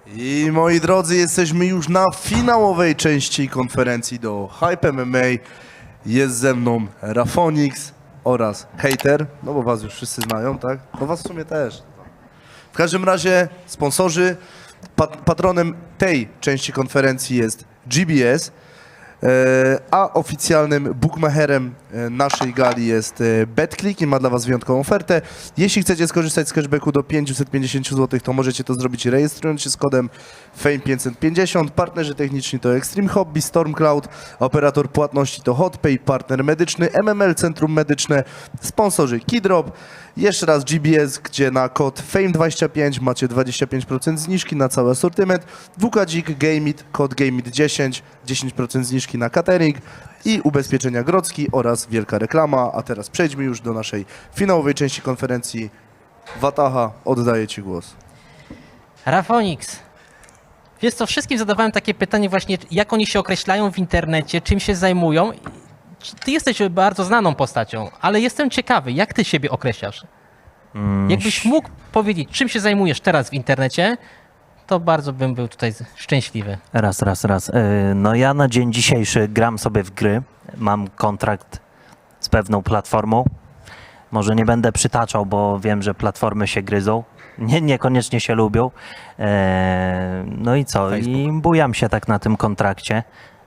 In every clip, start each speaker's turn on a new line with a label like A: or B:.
A: I moi drodzy, jesteśmy już na finałowej części konferencji do Hype MMA. Jest ze mną Rafonix oraz Hater, no bo was już wszyscy znają, tak? No was w sumie też. W każdym razie sponsorzy, patronem tej części konferencji jest GBS, a oficjalnym bookmacherem naszej gali jest BetClick i ma dla was wyjątkową ofertę. Jeśli chcecie skorzystać z cashbacku do 550 zł, to możecie to zrobić rejestrując się z kodem FAME550. Partnerzy techniczni to Extreme Hobby, Stormcloud, operator płatności to HotPay, partner medyczny MML Centrum Medyczne, sponsorzy Kidrop. Jeszcze raz GBS, gdzie na kod FAME25 macie 25% zniżki na cały asortyment. WKDzik, Gameit, kod Gameit10, 10% zniżki na catering i ubezpieczenia Grodzki oraz wielka reklama. A teraz przejdźmy już do naszej finałowej części konferencji. Wataha, oddaję ci głos.
B: Rafonix, wiesz co, wszystkim zadawałem takie pytanie właśnie, jak oni się określają w internecie, czym się zajmują. Ty jesteś bardzo znaną postacią, ale jestem ciekawy, jak ty siebie określasz? Jakbyś mógł powiedzieć, czym się zajmujesz teraz w internecie, to bardzo bym był tutaj szczęśliwy.
C: Raz. No ja na dzień dzisiejszy gram sobie w gry. Mam kontrakt z pewną platformą. Może nie będę przytaczał, bo wiem, że platformy się gryzą. Niekoniecznie się lubią. No i co?
A: Facebook.
C: I bujam się tak na tym kontrakcie.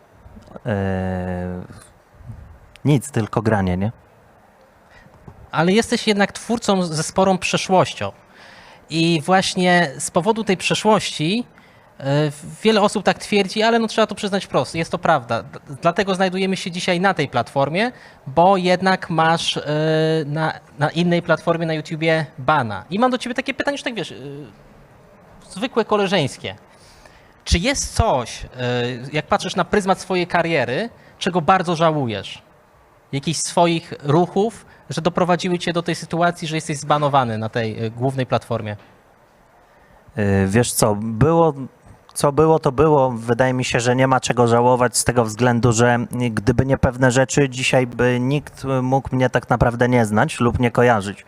C: Nic, tylko granie, nie?
B: Ale jesteś jednak twórcą ze sporą przeszłością. I właśnie z powodu tej przeszłości wiele osób tak twierdzi, ale no trzeba to przyznać wprost, jest to prawda. Dlatego znajdujemy się dzisiaj na tej platformie, bo jednak masz na innej platformie na YouTubie bana. I mam do ciebie takie pytanie, już tak wiesz, zwykłe koleżeńskie. Czy jest coś, jak patrzysz na pryzmat swojej kariery, czego bardzo żałujesz? Jakichś swoich ruchów, że doprowadziły cię do tej sytuacji, że jesteś zbanowany na tej głównej platformie?
C: Wiesz co, to było. Wydaje mi się, że nie ma czego żałować z tego względu, że gdyby nie pewne rzeczy, dzisiaj by nikt mógł mnie tak naprawdę nie znać lub nie kojarzyć.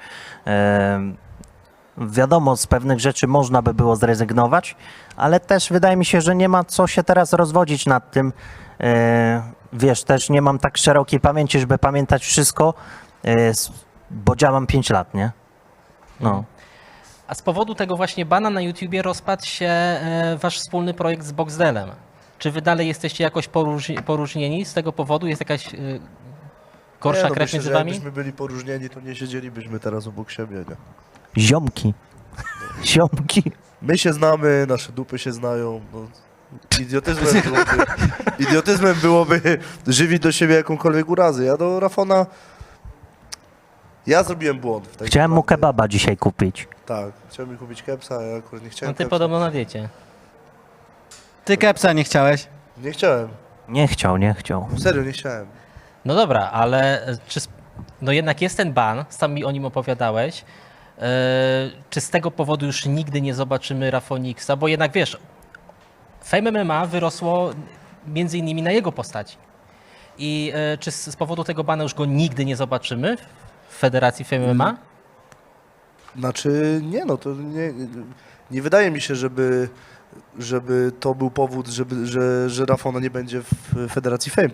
C: Wiadomo, z pewnych rzeczy można by było zrezygnować, ale też wydaje mi się, że nie ma co się teraz rozwodzić nad tym. Wiesz, też nie mam tak szerokiej pamięci, żeby pamiętać wszystko, bo działam 5 lat, nie? No.
B: A z powodu tego właśnie bana na YouTubie rozpadł się wasz wspólny projekt z Boxdelem. Czy wy dalej jesteście jakoś poróżnieni z tego powodu? Jest jakaś gorsza krew
A: myślę,
B: między
A: że
B: wami?
A: jakbyśmy byli poróżnieni, to nie siedzielibyśmy teraz obok siebie, nie?
C: Ziomki.
A: My się znamy, nasze dupy się znają. No. Idiotyzmem byłoby żywić do siebie jakąkolwiek urazę. Ja do Rafona... Ja zrobiłem błąd. W tej
C: Chciałem mu
A: sytuacji.
C: kebaba dzisiaj kupić.
A: Tak, chciałem mi kupić kepsa, a ja akurat nie chciałem
B: No ty
A: kepsa.
B: podobno na diecie.
D: Ty kepsa nie chciałeś?
A: Nie chciałem.
C: Nie chciał.
A: Serio, nie chciałem.
B: No dobra, ale no jednak jest ten ban, sam mi o nim opowiadałeś. Czy z tego powodu już nigdy nie zobaczymy Rafonixa? Bo jednak wiesz, Fame MMA wyrosło między innymi na jego postaci. I czy z powodu tego bana już go nigdy nie zobaczymy w Federacji Fame MMA?
A: Znaczy, nie no, to nie wydaje mi się, żeby to był powód, że Rafona nie będzie w Federacji Fame.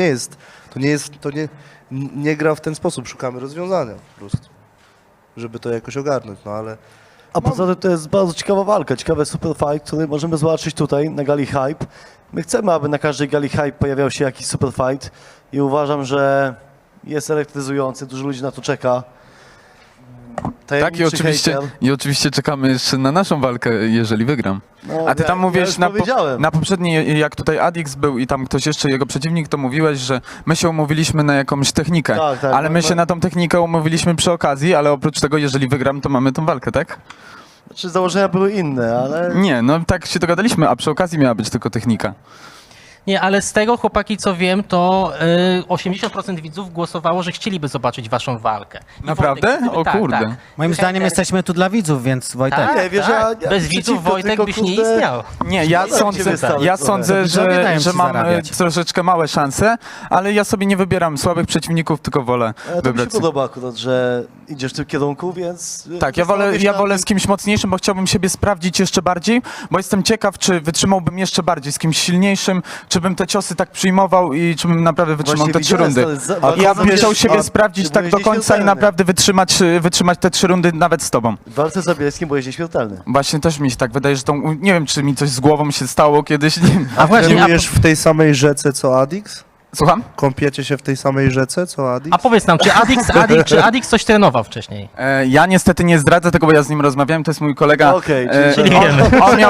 A: Nie gra w ten sposób. Szukamy rozwiązania po prostu, żeby to jakoś ogarnąć, no ale...
E: A poza tym to jest bardzo ciekawa walka, ciekawy super fight, który możemy zobaczyć tutaj na gali Hype. My chcemy, aby na każdej gali Hype pojawiał się jakiś super fight i uważam, że jest elektryzujący, dużo ludzi na to czeka.
F: Tak, i oczywiście czekamy jeszcze na naszą walkę, jeżeli wygram.
E: No,
F: A ty tam mówiłeś
E: powiedziałem.
F: na poprzedniej, jak tutaj Adix był i tam ktoś jeszcze, jego przeciwnik, to mówiłeś, że my się umówiliśmy na jakąś technikę,
E: Tak, tak,
F: ale my się na tą technikę umówiliśmy przy okazji, ale oprócz tego, jeżeli wygram, to mamy tą walkę, tak?
E: Znaczy założenia były inne, ale...
F: Nie, no tak się dogadaliśmy, a przy okazji miała być tylko technika.
B: Nie, ale z tego, chłopaki, co wiem, to 80% widzów głosowało, że chcieliby zobaczyć waszą walkę. I
F: Naprawdę?
B: Wojtek,
F: O
B: tak,
F: kurde.
B: tak.
D: Moim zdaniem jesteśmy tu dla widzów, więc Wojtek.
B: Tak,
E: Nie, wiesz,
B: tak.
E: ja
B: Bez widzów
E: przeciwko,
B: Wojtek
E: tylko,
B: byś nie
E: kurde,
B: istniał.
F: Nie, ja
E: Szkoda,
F: sądzę,
E: cię wystawić
F: ja
E: trochę.
F: sądzę,
D: Widzowie dają
F: że
D: ci
F: mam
D: zarabiać.
F: troszeczkę małe szanse, ale ja sobie nie wybieram słabych przeciwników, tylko wolę
E: To mi się
F: wybrać.
E: podoba akurat, że idziesz w tym kierunku, więc...
F: Tak, ja wolę z kimś mocniejszym, bo chciałbym siebie sprawdzić jeszcze bardziej, bo jestem ciekaw, czy wytrzymałbym jeszcze bardziej z kimś silniejszym, czy bym te ciosy tak przyjmował i czy bym naprawdę wytrzymał te 3 rundy. Ja bym chciał siebie sprawdzić tak do końca i naprawdę wytrzymać te 3 rundy nawet z tobą.
E: W walce z Zabielskim byłeś nieśmiertelny.
F: Właśnie też mi się tak wydaje, że nie wiem, czy mi coś z głową się stało kiedyś, nie wiem.
B: A właśnie,
A: Trenujesz w tej samej rzece co Adix?
F: Słucham?
A: Kąpiecie się w tej samej rzece co Adix?
B: a powiedz nam, czy Adix coś trenował wcześniej?
F: Ja niestety nie zdradzę tego, bo ja z nim rozmawiałem, to jest mój kolega.
E: Okej,
B: czyli
F: on,
B: wiemy.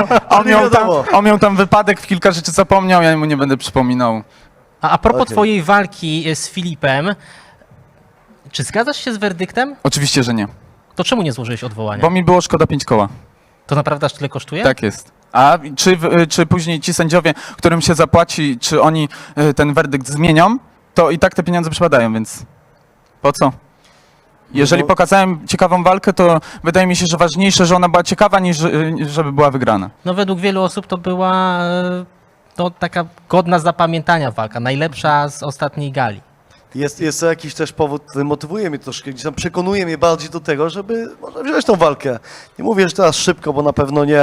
F: on miał tam wypadek, w kilka rzeczy zapomniał, ja mu nie będę przypominał.
B: A propos
E: Okej.
B: twojej walki z Filipem, czy zgadzasz się z werdyktem?
F: Oczywiście, że nie,
B: To czemu nie złożyłeś odwołania?
F: bo mi było szkoda 5 koła.
B: To naprawdę aż tyle kosztuje?
F: Tak jest. A czy później ci sędziowie, którym się zapłaci, czy oni ten werdykt zmienią, to i tak te pieniądze przypadają, więc po co? Jeżeli
E: No.
F: pokazałem ciekawą walkę, to wydaje mi się, że ważniejsze, że ona była ciekawa, niż żeby była wygrana.
B: No według wielu osób to była to taka godna zapamiętania walka, najlepsza z ostatniej gali.
E: Jest to jakiś też powód, który motywuje mnie troszkę, gdzieś tam przekonuje mnie bardziej do tego, żeby może wziąć tą walkę. Nie mówię, że teraz szybko, bo na pewno nie,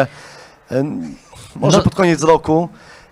E: może
B: No.
E: pod koniec roku,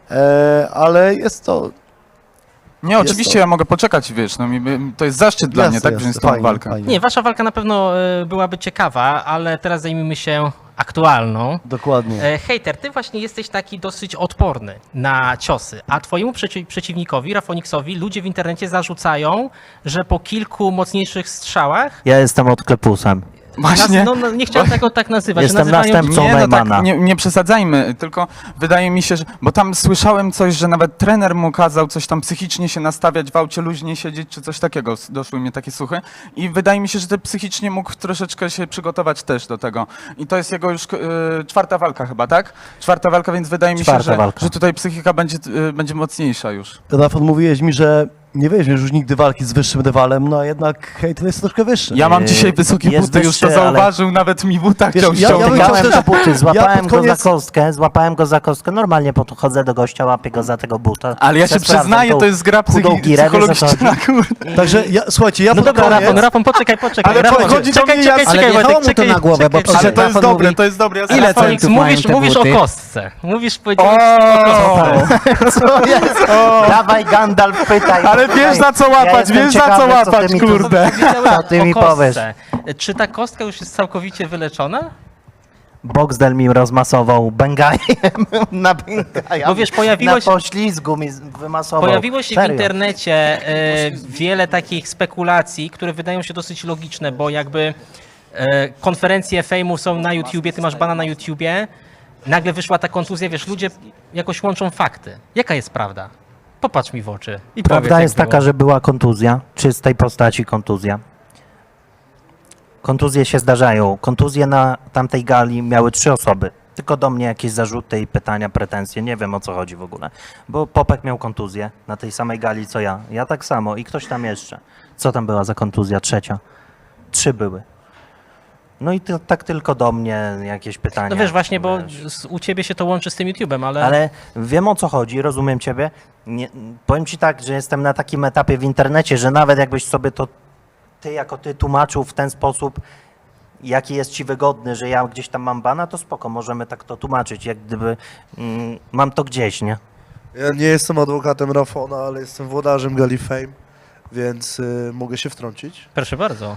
E: ale jest to...
F: Nie, oczywiście
E: to.
F: ja mogę poczekać, wiesz, no, to jest zaszczyt dla mnie, tak, wziąć tą
E: fajnie,
F: walkę.
E: fajnie.
B: Nie, wasza walka na pewno byłaby ciekawa, ale teraz zajmijmy się aktualną.
E: Dokładnie.
B: Hejter, ty właśnie jesteś taki dosyć odporny na ciosy, a twojemu przeciwnikowi, Rafoniksowi, ludzie w internecie zarzucają, że po kilku mocniejszych strzałach,
C: Ja jestem odklepusem.
F: Właśnie.
B: no, nie chciałem tego tak nazywać,
C: Jestem
B: że nazywają
C: następcą
F: Nie, no
C: Neumana.
F: tak, nie przesadzajmy, tylko wydaje mi się, że... Bo tam słyszałem coś, że nawet trener mu kazał coś tam psychicznie się nastawiać, w aucie luźnie siedzieć, czy coś takiego. Doszły mnie takie słuchy. I wydaje mi się, że psychicznie mógł troszeczkę się przygotować też do tego. I to jest jego już 4. walka chyba, tak? 4. walka, więc wydaje mi się,
C: Czwarta walka.
F: że tutaj psychika będzie mocniejsza już.
E: Rafał, mówiłeś mi, że nie weźmiesz już nigdy walki z wyższym rywalem, no a jednak hejter jest troszkę wyższy.
F: Ja mam dzisiaj wysokie
C: jest
F: buty, już to
C: wyższy, ale-
F: zauważył, nawet mi buta
E: Wiesz,
F: chciał
E: ja bym
F: ściągnąć.
E: chciał
C: Złapałem
E: też-
C: go buty, złapałem
E: pod koniec-
C: złapałem go za kostkę. Normalnie podchodzę do gościa, łapię go za tego buta.
F: Ale ja się
C: Sprawdzam
F: przyznaję,
C: tą
F: to jest gra
C: chudą girę, wiesz, o co
F: psychologiczna, kurde.
E: Także, słuchajcie, ja
B: No
E: pod
B: dobra,
E: koniec...
B: Rafon, poczekaj.
F: Ale
B: Rafon,
F: chodzi do mnie, ja-
D: Ale
B: czekaj,
D: wjechało
B: Wojtek,
D: mu to na głowę, bo
B: czekaj.
F: Ale to jest
D: Rafał
F: dobre,
D: mówi,
F: to jest dobre. Ja
D: ile
F: sobie-
B: Rafonix,
D: centów mają te
B: mówisz o
D: buty?
B: kostce. Powiedziałeś o kostce.
C: Co jest? Dawaj Gandalf, pytaj.
F: Ale wiesz za co
C: Ja
F: łapać,
C: jestem
F: wiesz za co
C: ciekawy, co ty
F: łapać,
C: mi tu-
F: kurde.
C: Co ty mi powiesz?
B: Czy ta kostka już jest całkowicie wyleczona?
C: Boxdel mi rozmasował Bengajem na Bengaja.
B: Bo wiesz, pojawiło się-
C: Na poślizgu mi wymasował.
B: Pojawiło się w
C: Serio.
B: internecie wiele takich spekulacji, które wydają się dosyć logiczne, bo jakby konferencje fejmu są na YouTubie, ty masz bana na YouTubie, nagle wyszła ta kontuzja, wiesz, ludzie jakoś łączą fakty. Jaka jest prawda? Popatrz mi w oczy i powiedz,
C: Prawda
B: jak
C: jest
B: było.
C: taka, że była kontuzja, czystej postaci kontuzja. Kontuzje się zdarzają. Kontuzje na tamtej gali miały 3 osoby. Tylko do mnie jakieś zarzuty i pytania, pretensje. Nie wiem, o co chodzi w ogóle. Bo Popek miał kontuzję na tej samej gali co ja. Ja tak samo i ktoś tam jeszcze. Co tam była za kontuzja? 3. 3 były. No i tak tylko do mnie jakieś pytania.
B: No wiesz, właśnie, bo
C: Wiesz.
B: u ciebie się to łączy z tym YouTubem, ale...
C: Ale wiem, o co chodzi, rozumiem ciebie. Nie, powiem ci tak, że jestem na takim etapie w internecie, że nawet jakbyś sobie to ty jako ty tłumaczył w ten sposób, jaki jest ci wygodny, że ja gdzieś tam mam bana, to spoko, możemy tak to tłumaczyć, jak gdyby mam to gdzieś, nie?
A: Ja nie jestem adwokatem Rafona, ale jestem włodarzem Gali Fame, więc mogę się wtrącić.
B: Proszę bardzo.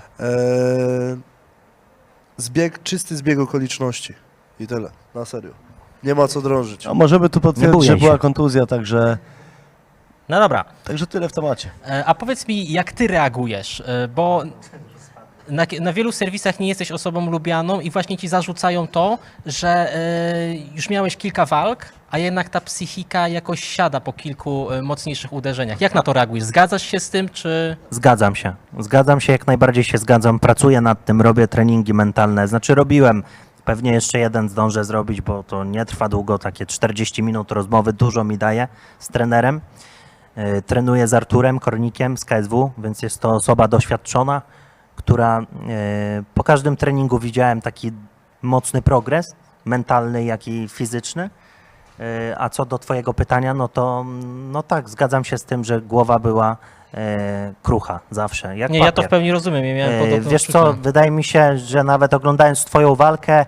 A: Czysty zbieg okoliczności i tyle, na serio. Nie ma co drążyć.
E: A możemy tu
C: Nie
E: potwierdzić,
C: bój
E: że
C: się.
E: była kontuzja, także
B: No dobra,
E: tyle w temacie.
B: a powiedz mi, jak ty reagujesz, bo na wielu serwisach nie jesteś osobą lubianą i właśnie ci zarzucają to, że już miałeś kilka walk, a jednak ta psychika jakoś siada po kilku mocniejszych uderzeniach. Jak na to reagujesz? Zgadzasz się z tym, czy...
C: Zgadzam się, jak najbardziej się zgadzam, pracuję nad tym, robię treningi mentalne, znaczy robiłem Pewnie jeszcze jeden zdążę zrobić, bo to nie trwa długo, takie 40 minut rozmowy, dużo mi daje z trenerem. Trenuję z Arturem Kornikiem z KSW, więc jest to osoba doświadczona, która po każdym treningu widziałem taki mocny progres, mentalny, jak i fizyczny. A co do twojego pytania, no to no tak, zgadzam się z tym, że głowa była krucha zawsze, jak
B: Nie, ja to
C: papier.
B: w pełni rozumiem. Ja miałem podobne
C: Wiesz co,
B: odczucia.
C: wydaje mi się, że nawet oglądając twoją walkę,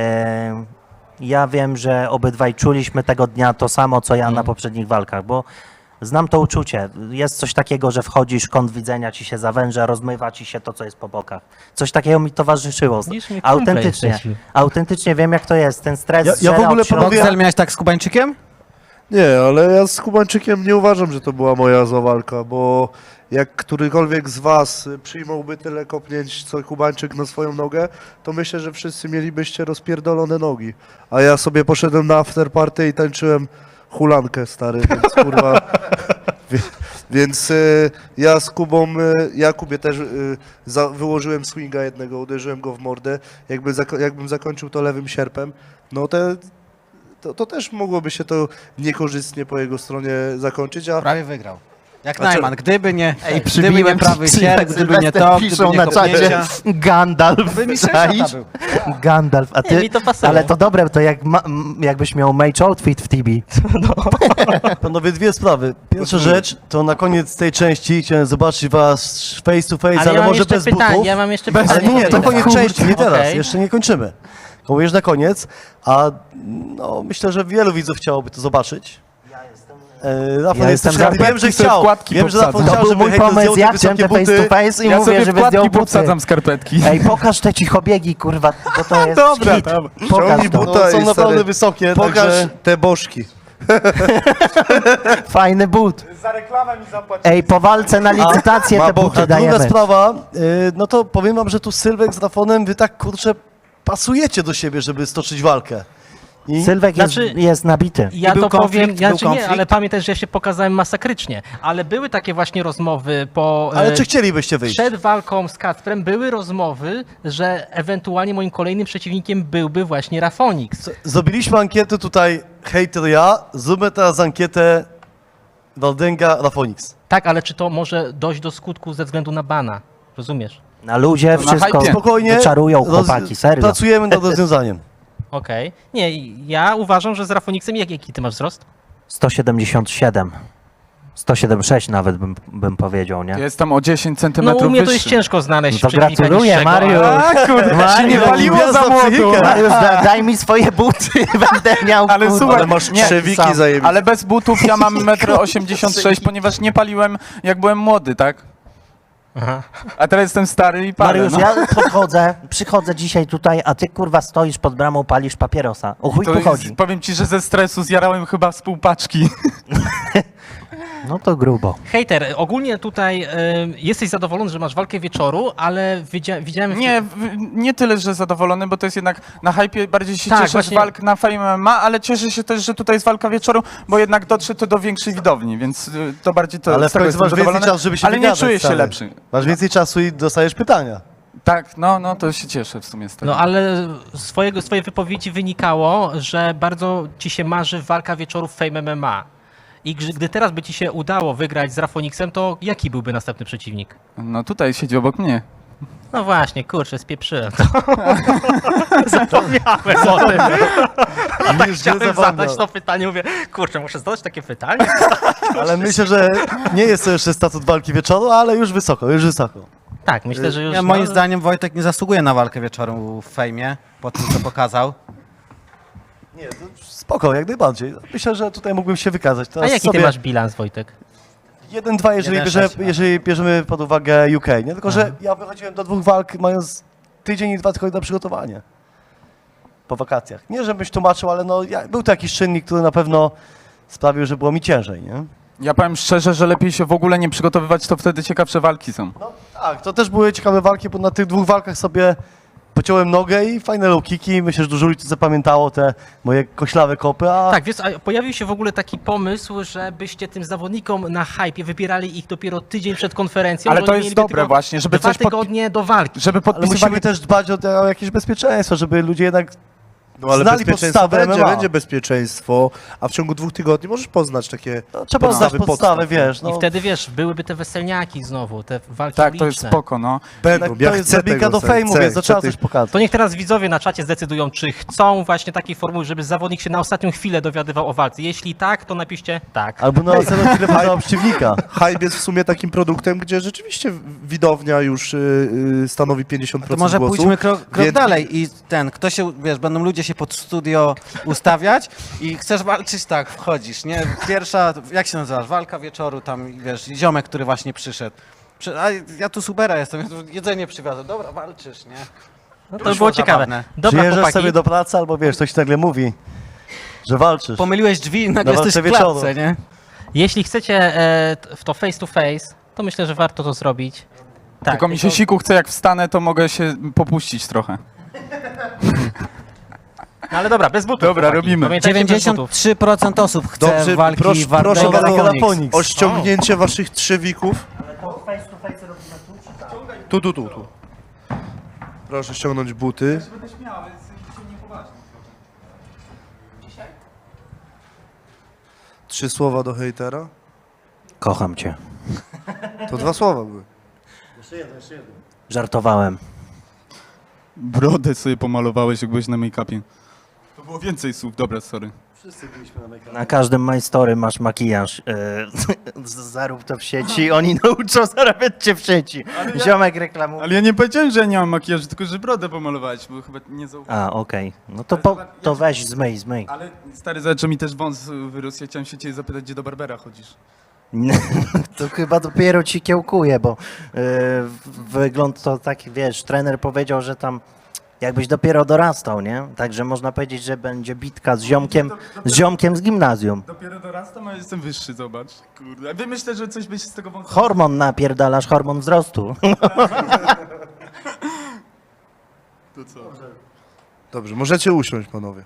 C: ja wiem, że obydwaj czuliśmy tego dnia to samo, co ja na poprzednich walkach, bo znam to uczucie. Jest coś takiego, że wchodzisz, kąt widzenia ci się zawęża, rozmywa ci się to, co jest po bokach. Coś takiego mi towarzyszyło.
B: Widzisz, mi kumple
C: Autentycznie,
B: jesteśmy.
C: autentycznie wiem, jak to jest. Ten stres
E: Ja w
C: żera
E: ogóle
C: od środka.
E: panowie-
D: Boxel miałeś tak z Kubańczykiem?
A: Nie, ale ja z Kubańczykiem nie uważam, że to była moja zła walka, bo jak którykolwiek z was przyjmąłby tyle kopnięć, co Kubańczyk na swoją nogę, to myślę, że wszyscy mielibyście rozpierdolone nogi. A ja sobie poszedłem na afterparty i tańczyłem hulankę, stary, więc kurwa... Więc ja z Kubą, ja Kubie też wyłożyłem swinga jednego, uderzyłem go w mordę. Jakbym zakończył to lewym sierpem, no to też mogłoby się to niekorzystnie po jego stronie zakończyć, a
D: Prawie wygrał. Jak
A: Znaczy-
D: Najman, gdyby nie
C: Ej,
D: gdyby nie prawy sierp, gdyby nie to,
C: piszą
D: gdyby nie
C: na czacie
D: kopnięcia,
C: Gandalf,
D: by mi
C: czaisz?
D: był.
C: Gandalf, a
B: Nie, mi
C: ty,
B: to pasuje.
C: ale to dobre, to jak jakbyś miał mage outfit w Tibi.
E: Panowie, dwie sprawy. Pierwsza rzecz, to na koniec tej części chciałem zobaczyć was face to face, ale
B: ja mam
E: może
B: jeszcze
E: bez
B: pytanie,
E: butów.
B: ja mam jeszcze
E: Ale
B: pytanie.
E: nie, to koniec części, nie teraz,
B: Okej.
E: jeszcze nie kończymy. Mówisz na koniec, a no, myślę, że wielu widzów chciałoby to zobaczyć. Rafał
C: Ja
E: jest
C: jestem
E: też chętny.
F: za-
E: Wiem, że
F: sobie
E: chciał.
F: wkładki
E: Wiem, że Rafał
F: powsadzam.
E: chciał,
C: To był
E: żeby
C: mój
E: hejter
C: pomysł,
E: zdjął
C: ja
E: te
C: chciałem
E: wysokie
C: te face
E: buty.
C: to face i
F: Ja
C: mówię,
F: sobie
C: żeby
F: wkładki
C: zdjął buty.
F: powsadzam skarpetki.
C: Ej, pokaż te cichobiegi, kurwa, bo to jest
F: Dobra,
C: hit.
F: dobra.
C: Pokaż
A: Ciągnij
C: to.
A: buta
E: No, są
A: i
E: naprawdę
A: stary,
E: wysokie,
A: pokaż
E: także...
A: te bożki.
C: Fajny but.
F: Za reklamę mi zapłacił.
C: Ej, po walce na licytację te buty
E: A druga
C: dajemy.
E: sprawa, no to powiem wam, że tu Sylwek z Rafonem, wy tak kurczę pasujecie do siebie, żeby stoczyć walkę. I
C: Sylwek
B: Znaczy-
C: jest nabity.
B: Ja
D: był
B: to
D: konflikt?
B: powiem,
D: Był
B: znaczy nie,
D: konflikt?
B: ale pamiętaj, że ja się pokazałem masakrycznie. Ale były takie właśnie rozmowy po...
E: Ale czy chcielibyście wyjść?
B: Przed walką z Kacprem były rozmowy, że ewentualnie moim kolejnym przeciwnikiem byłby właśnie Rafonix.
E: Zrobiliśmy ankietę tutaj, hejter ja, zróbmy teraz ankietę Waldęga Rafonix.
B: Tak, ale czy to może dojść do skutku ze względu na bana? Rozumiesz?
C: Na luzie
F: To na
C: wszystko
F: hypie.
E: Spokojnie,
C: wyczarują chłopaki, serio.
E: pracujemy nad rozwiązaniem.
B: Okej. Nie, ja uważam, że z Rafonixem jaki ty masz wzrost?
C: 177. 176 nawet bym powiedział, nie?
F: Jestem o 10
B: No
F: centymetrów
B: u mnie to jest
F: wyższy.
B: ciężko znaleźć
C: No to
B: przeciwnika
C: gratuluję,
B: niższego,
C: Mariusz.
B: ale-
F: Kurde, się nie
C: Mariusz,
F: paliło za
E: gwiazda
F: młodu.
E: psychika.
C: Mariusz, daj mi swoje buty, będę miał,
F: Ale
C: kurwa.
F: słuchaj,
A: Ale masz
F: nie,
A: trzewiki
C: sam.
A: zajebiste.
F: Ale bez butów ja mam 1,86 m, ponieważ nie paliłem jak byłem młody, tak?
B: Aha.
F: A teraz jestem stary i palę.
C: Mariusz,
F: no.
C: ja przychodzę dzisiaj tutaj, a ty kurwa stoisz pod bramą, palisz papierosa. O chuj
F: To
C: tu
F: jest,
C: chodzi.
F: powiem ci, że ze stresu zjarałem chyba z pół paczki.
C: No to grubo.
B: Hejter, ogólnie tutaj jesteś zadowolony, że masz walkę wieczoru, ale widziałem...
F: Nie tyle, że zadowolony, bo to jest jednak na hypie bardziej się
B: Tak,
F: cieszę z
B: właśnie.
F: walk na Fame MMA, ale cieszę się też, że tutaj jest walka wieczoru, bo jednak dotrze to do większej widowni, więc to bardziej to
E: Ale w
F: z tego
E: końcu
F: jestem
E: masz więcej
F: zadowolony.
E: czasu, żeby się
F: Ale nie
E: wygadać,
F: czuję się
E: stary.
F: lepszy.
E: Masz więcej czasu i dostajesz pytania.
F: Tak, no to się cieszę w sumie z tego.
B: No ale z twojej wypowiedzi wynikało, że bardzo ci się marzy walka wieczoru w Fame MMA. I gdy teraz by ci się udało wygrać z Rafonixem, to jaki byłby następny przeciwnik?
F: No tutaj siedzi obok mnie.
B: No właśnie, kurczę, spieprzyłem to. Zapomniałem o tym. A tak
E: Już nie
B: chciałem
E: zapomniał.
B: zadać to pytanie, mówię, kurczę, muszę zadać takie pytanie?
E: Ale myślę, że nie jest to jeszcze statut walki wieczoru, ale już wysoko, już wysoko.
B: Tak, myślę, że już...
D: Ja, moim zdaniem Wojtek nie zasługuje na walkę wieczoru w fejmie, po tym co pokazał.
E: Nie, to spoko, jak najbardziej. Myślę, że tutaj mógłbym się wykazać.
B: A
E: Teraz
B: jaki ty masz bilans, Wojtek?
E: 1-2, jeżeli,
D: 1-6,
E: jeżeli bierzemy pod uwagę UK, nie? Tylko, że ja wychodziłem do 2 walk mając tydzień i 2 tygodnie na przygotowanie. Po wakacjach. Nie, żebyś tłumaczył, ale no, był to jakiś czynnik, który na pewno sprawił, że było mi ciężej, nie?
F: Ja powiem szczerze, że lepiej się w ogóle nie przygotowywać, to wtedy ciekawsze walki są.
E: No tak, to też były ciekawe walki, bo na tych 2 walkach sobie pociąłem nogę i fajne low kicki. Myślę, że dużo ludzi zapamiętało te moje koślawe kopy, a
B: Tak, wiesz, a pojawił się w ogóle taki pomysł, żebyście tym zawodnikom na hypie wybierali ich dopiero tydzień przed konferencją.
F: Ale
B: że
F: to
B: oni
F: jest
B: mieliby
F: dobre
B: tylko
F: właśnie, żeby
B: 2
F: coś
B: tygodnie do walki.
F: żeby
E: ale
F: podpisywali...
E: musimy też dbać o jakieś bezpieczeństwo, żeby ludzie jednak
A: No ale
E: znali
A: bezpieczeństwo
E: podstawy
A: będzie,
E: MMA.
A: będzie bezpieczeństwo, a w ciągu 2 tygodni możesz poznać takie
E: Trzeba znać
A: podstawy
E: podstawy,
A: podstaw.
E: wiesz. No,
B: I wtedy, wiesz, byłyby te weselniaki znowu, te walki
F: Tak,
B: uliczne.
F: to jest spoko, no.
A: Będą,
E: tak,
A: ja
E: to jest
A: chcę
E: drabinka
A: tego,
E: do fejmu,
A: chcę,
E: więc to trzeba
A: chcę
E: coś pokazać.
B: To niech teraz widzowie na czacie zdecydują, czy chcą właśnie takiej formuły, żeby zawodnik się na ostatnią chwilę dowiadywał o walce. Jeśli tak, to napiszcie tak.
E: Albo na ocenę chwilę poznała przeciwnika.
A: Hype jest w sumie takim produktem, gdzie rzeczywiście widownia już stanowi 50%
D: To może
A: głosu.
D: pójdźmy krok
A: więc-
D: dalej i kto się, wiesz, będą ludzie się pod studio ustawiać i chcesz walczyć, tak, wchodzisz, nie? Pierwsza, jak się nazywasz, walka wieczoru, tam, wiesz, ziomek, który właśnie przyszedł. A ja tu supera jestem, ja tu jedzenie przywiozłem, dobra, walczysz, nie?
B: No to
D: Wyszło
B: by było ciekawe.
D: zabawne.
B: Dobra,
E: Przyjeżdżasz
B: chłopaki.
E: sobie do pracy albo wiesz, ktoś nagle mówi, że walczysz.
D: Pomyliłeś drzwi i nagle
E: Na
D: jesteś w
E: walce wieczoru.
D: klatce, nie?
B: Jeśli chcecie w to face to face, to myślę, że warto to zrobić. Tak,
F: Tylko mi się siku chce, jak wstanę, to mogę się popuścić trochę.
B: No ale dobra, bez butów.
F: Dobra,
B: chłopaki.
F: robimy.
B: Pamiętajcie, bez butów.
D: 93% osób chce
A: Dobrze,
D: walki
A: proszę
D: Wardęga
A: bardzo
D: Rafonix.
A: o ściągnięcie waszych trzewików. Tu. Proszę ściągnąć buty. Trzy słowa do hejtera?
C: Kocham cię.
A: To 2 słowa były.
C: Żartowałem.
F: Brodę sobie pomalowałeś, jak byłeś na make-upie. To było więcej słów, dobra, sorry.
C: Na każdym My Story masz makijaż. Zarób to w sieci, oni nauczą zarabiać cię w sieci. Ziomek reklamuje.
F: Ale ja nie powiedziałem, że ja nie mam makijażu, tylko że brodę pomalowałeś, bo chyba nie zauważyłem.
C: A, okej. No to, to weź, zmyj.
F: Ale stary, zobacz, że mi też wąs wyrósł. Ja chciałem się ciebie zapytać, gdzie do Barbera chodzisz.
C: To chyba dopiero ci kiełkuje, bo wygląd to taki, wiesz, trener powiedział, że tam jakbyś dopiero dorastał, nie? Także można powiedzieć, że będzie bitka z ziomkiem z gimnazjum.
F: Dopiero dorastam, a jestem wyższy, zobacz. Kurde, a wy myślę, że coś byś z tego wąsa...
C: Hormon napierdalasz, hormon wzrostu.
F: To co?
A: Dobrze, możecie usiąść, panowie.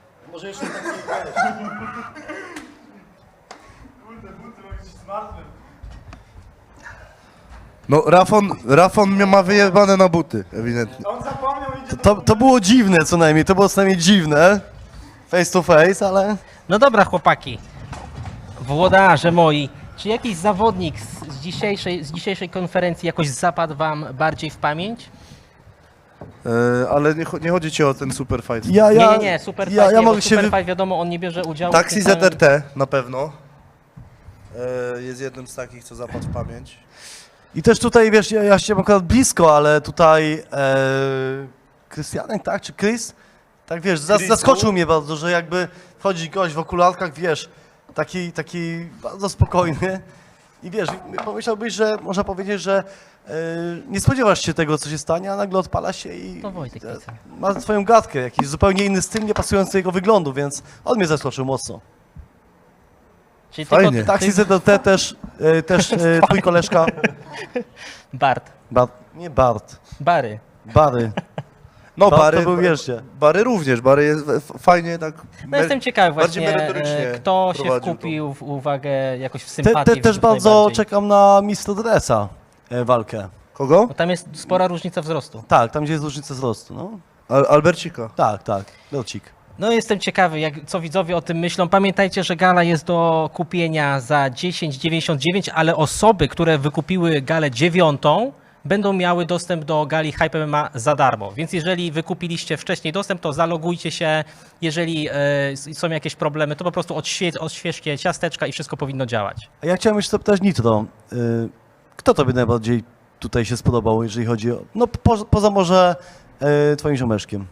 A: No, Rafon mnie ma wyjebane na buty, ewidentnie.
F: On zapomniał, idzie
E: To było dziwne co najmniej, to było co najmniej dziwne. Face to face, ale...
B: No dobra, chłopaki. Włodarze moi, czy jakiś zawodnik z dzisiejszej konferencji jakoś zapadł wam bardziej w pamięć?
A: Ale nie chodzi ci o ten super fight.
B: Nie, Superfight
E: ja
B: nie, bo
E: mogę się
B: Superfight wiadomo, on nie bierze udziału.
A: Taxi
B: w tym samym-
A: ZRT na pewno. Jest jednym z takich, co zapadł w pamięć.
E: I też tutaj, wiesz, ja się akurat blisko, ale tutaj Krystianek, tak, czy Chris? Tak, wiesz,
A: Chrisu?
E: zaskoczył mnie bardzo, że jakby wchodzi gość w okularkach, wiesz, taki bardzo spokojny i wiesz, pomyślałbyś, że można powiedzieć, że nie spodziewasz się tego, co się stanie, a nagle odpala się i
B: To Wojtek Pica.
E: ma swoją gadkę, jakiś zupełnie inny styl, nie pasujący do jego wyglądu, więc on mnie zaskoczył mocno.
B: Czyli
A: Fajnie.
B: tylko
E: Taxi ZDT też twój koleżka,
B: Bart.
E: nie Bart,
B: Bary.
E: Bary.
A: No,
E: Bart
A: Bary,
E: to był, wierzcie.
A: Bary również. Bary jest fajnie tak...
B: No jestem ciekawy
A: bardziej
B: właśnie,
A: merytorycznie
B: kto się
A: prowadził
B: wkupił w uwagę jakoś w sympatię.
E: Też bardzo
B: najbardziej.
E: czekam na Mr. Dressa walkę.
A: Kogo?
B: Bo tam jest spora różnica wzrostu.
E: Tak, tam gdzie jest różnica wzrostu, no.
A: Albercika.
E: Tak, Locik.
B: No jestem ciekawy, co widzowie o tym myślą. Pamiętajcie, że gala jest do kupienia za 10,99, ale osoby, które wykupiły galę 9, będą miały dostęp do gali Hype MMA za darmo. Więc jeżeli wykupiliście wcześniej dostęp, to zalogujcie się. Jeżeli są jakieś problemy, to po prostu odświeżcie ciasteczka i wszystko powinno działać.
E: A ja chciałem jeszcze zapytać Nitro, kto tobie najbardziej tutaj się spodobał, jeżeli chodzi o, no poza może twoim ziomeczkiem?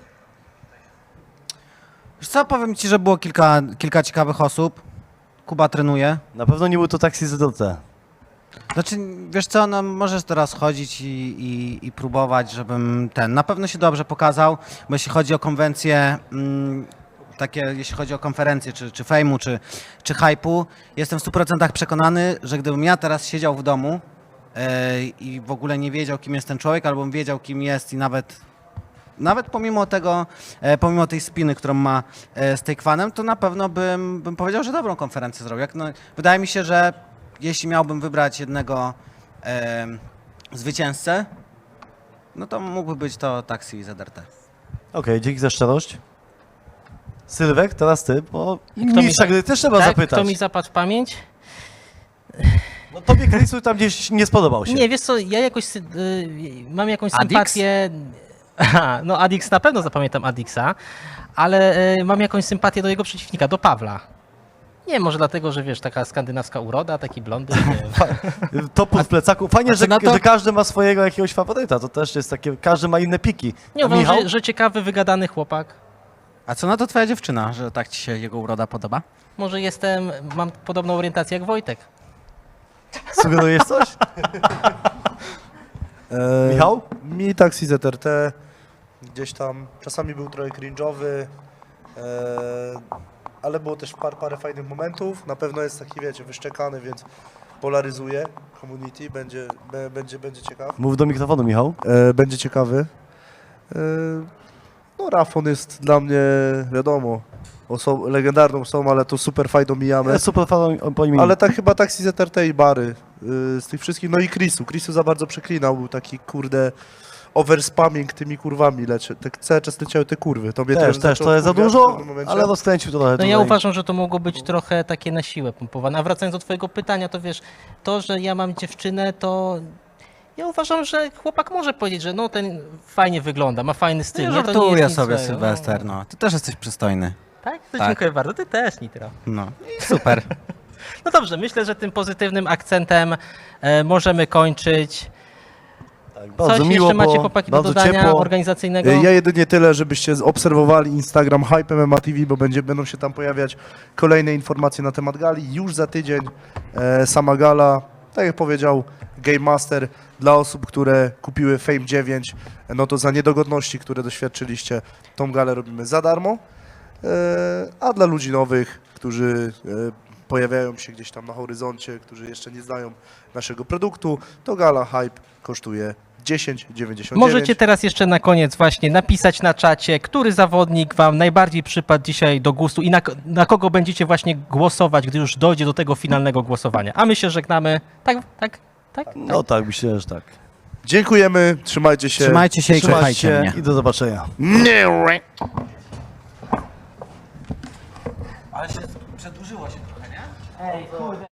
D: Wiesz co, powiem ci, że było kilka ciekawych osób. Kuba trenuje.
E: Na pewno nie był to Taxi ZDT.
D: Znaczy, wiesz co, no możesz teraz chodzić i próbować, żebym na pewno się dobrze pokazał, bo jeśli chodzi o konwencje, jeśli chodzi o konferencje, czy fejmu, czy hype'u, jestem w 100% przekonany, że gdybym ja teraz siedział w domu i w ogóle nie wiedział, kim jest ten człowiek, albo bym wiedział, kim jest i nawet nawet pomimo tego, pomimo tej spiny, którą ma z Takefanem, to na pewno bym powiedział, że dobrą konferencję zrobił. Wydaje mi się, że jeśli miałbym wybrać jednego zwycięzcę, no to mógłby być to Taxi ZRT.
E: Okej, dzięki za szczerość. Sylwek, teraz ty, bo
B: mi
E: mistrza
B: za-
E: gry też trzeba
B: Tak,
E: zapytać.
B: kto mi zapadł w pamięć?
E: No tobie Chrisu tam gdzieś nie spodobał się.
B: Nie, wiesz co, ja jakoś mam jakąś
D: Adix?
B: sympatię. Aha, no Adix, na pewno zapamiętam Adixa, ale mam jakąś sympatię do jego przeciwnika, do Pawła. Nie, może dlatego, że wiesz, taka skandynawska uroda, taki blondyn, nie wiem.
E: Topór w plecaku. Fajnie,
D: co na to?
E: że każdy ma swojego jakiegoś faworyta. To też jest takie, każdy ma inne piki.
B: Nie
E: A
B: uważam,
E: Michał?
B: że ciekawy, wygadany chłopak.
D: A co na to twoja dziewczyna, że tak ci się jego uroda podoba?
B: Może mam podobną orientację jak Wojtek.
E: Sugerujesz coś? Michał?
A: Mi Taxi ZRT gdzieś tam czasami był trochę cringe'owy, ale było też parę fajnych momentów. Na pewno jest taki, wiecie, wyszczekany, więc polaryzuje community, będzie ciekaw.
E: Mów do mikrofonu, Michał.
A: Będzie ciekawy. No Rafon jest dla mnie, wiadomo, legendarną osobą, ale to super fajnie omijamy.
E: Ja super fan po imieniu.
A: Ale tak chyba Taxi ZRT i Bary z tych wszystkich, no i Chrisu za bardzo przeklinał, był taki kurde overspamming tymi kurwami, tak cały czas leciały te kurwy. To mnie
E: też,
A: zaczął
E: to jest za
A: wkurwiać w
E: dużo,
A: pewnym momencie.
E: ale rozkręcił to trochę
B: No ja
E: tutaj.
B: uważam, że to mogło być trochę takie na siłę pompowane. A wracając do twojego pytania, to wiesz, to, że ja mam dziewczynę, to ja uważam, że chłopak może powiedzieć, że no ten fajnie wygląda, ma fajny styl.
D: Ja
B: nie? To nie
D: żartuję
B: jest nic
D: sobie,
B: złego.
D: Sylwester, no. Ty też jesteś przystojny.
B: Tak? To
D: Tak.
B: dziękuję bardzo. Ty też, Nitro.
D: No i super.
B: No dobrze, myślę, że tym pozytywnym akcentem możemy kończyć.
E: Tak, bardzo
B: Coś
E: miło
B: jeszcze macie,
E: było,
B: chłopaki, do
E: bardzo
B: dodania
E: ciepło.
B: organizacyjnego?
A: Ja jedynie tyle, żebyście obserwowali Instagram Hype MMA TV, bo będą się tam pojawiać kolejne informacje na temat gali. Już za tydzień sama gala, tak jak powiedział Game Master, dla osób, które kupiły Fame 9, no to za niedogodności, które doświadczyliście, tą galę robimy za darmo. A dla ludzi nowych, którzy pojawiają się gdzieś tam na horyzoncie, którzy jeszcze nie znają naszego produktu, to gala Hype kosztuje 10,99.
B: Możecie teraz jeszcze na koniec właśnie napisać na czacie, który zawodnik wam najbardziej przypadł dzisiaj do gustu i na kogo będziecie właśnie głosować, gdy już dojdzie do tego finalnego głosowania. A my się żegnamy. Tak?
E: No tak, myślę, że tak.
A: Dziękujemy, trzymajcie się.
D: Trzymajcie się i
E: Trzymajcie
D: kochajcie
E: się
D: mnie.
E: i do zobaczenia.
D: Ale się przedłużyło się trochę, nie?
B: Ej, kurde.